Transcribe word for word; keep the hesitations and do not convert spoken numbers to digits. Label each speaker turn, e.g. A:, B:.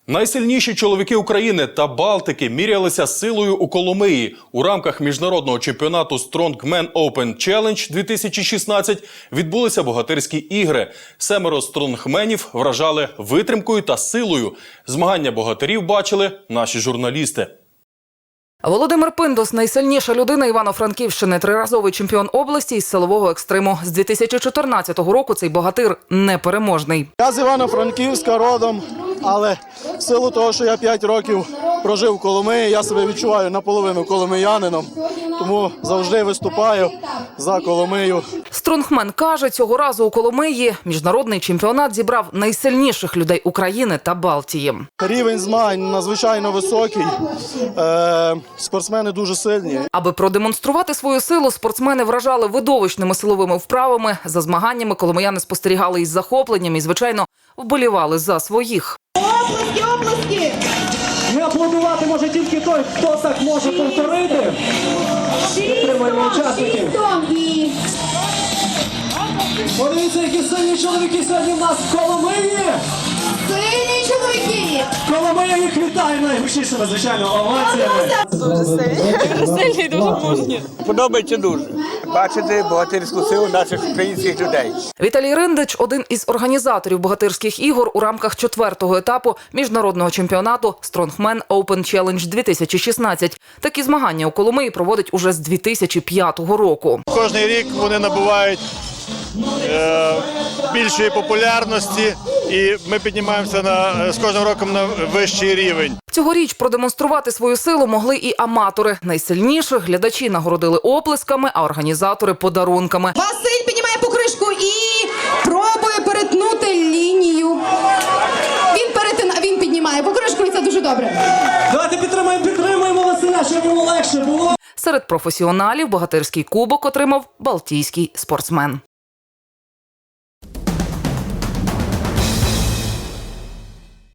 A: Найсильніші чоловіки України та Балтики мірялися силою у Коломиї. У рамках міжнародного чемпіонату Strongman Open Challenge дві тисячі шістнадцять відбулися богатирські ігри. Семеро стронгменів вражали витримкою та силою. Змагання богатирів бачили наші журналісти.
B: Володимир Пиндос – найсильніша людина Івано-Франківщини, триразовий чемпіон області із силового екстриму. З дві тисячі чотирнадцятого року цей богатир непереможний.
C: Я з Івано-Франківська родом, але в силу того, що я п'ять років прожив в Коломиї, я себе відчуваю наполовину коломиянином, тому завжди виступаю за Коломию.
B: Стронгмен каже, цього разу у Коломиї міжнародний чемпіонат зібрав найсильніших людей України та Балтії.
C: Рівень змагань надзвичайно високий, е, спортсмени дуже сильні.
B: Аби продемонструвати свою силу, спортсмени вражали видовищними силовими вправами. За змаганнями коломияни спостерігали із захопленням і, звичайно, вболівали за своїх.
D: Оплески, оплески!
E: Не аплодувати може тільки той, хто так може повторити. Підтримуємо учасників. Подивіться, які сильні чоловіки сьогодні в нас в Коломиї.
D: Сильні чоловіки!
E: Коломия їх вітає найгучнішими, звичайно, оваціями.
D: Дуже сильні.
F: Дуже сильні, дуже мужні.
G: Подобається дуже. Бачити богатирську силу наших українських людей.
B: Віталій Риндич – один із організаторів богатирських ігор у рамках четвертого етапу міжнародного чемпіонату Strongman Open Challenge дві тисячі шістнадцять. Такі змагання у Коломиї проводить уже з дві тисячі п'ятого року.
C: Кожний рік вони набувають е, більшої популярності, і ми піднімаємося на, з кожним роком на вищий рівень.
B: Цьогоріч продемонструвати свою силу могли і аматори. Найсильніших глядачі нагородили оплесками, а організатори – подарунками.
D: Василь піднімає покришку і пробує перетнути лінію. Він, перетина... Він піднімає покришку, і це дуже добре.
E: Давайте підтримаємо, підтримуємо Василя, щоб йому легше було.
B: Серед професіоналів богатирський кубок отримав балтійський спортсмен.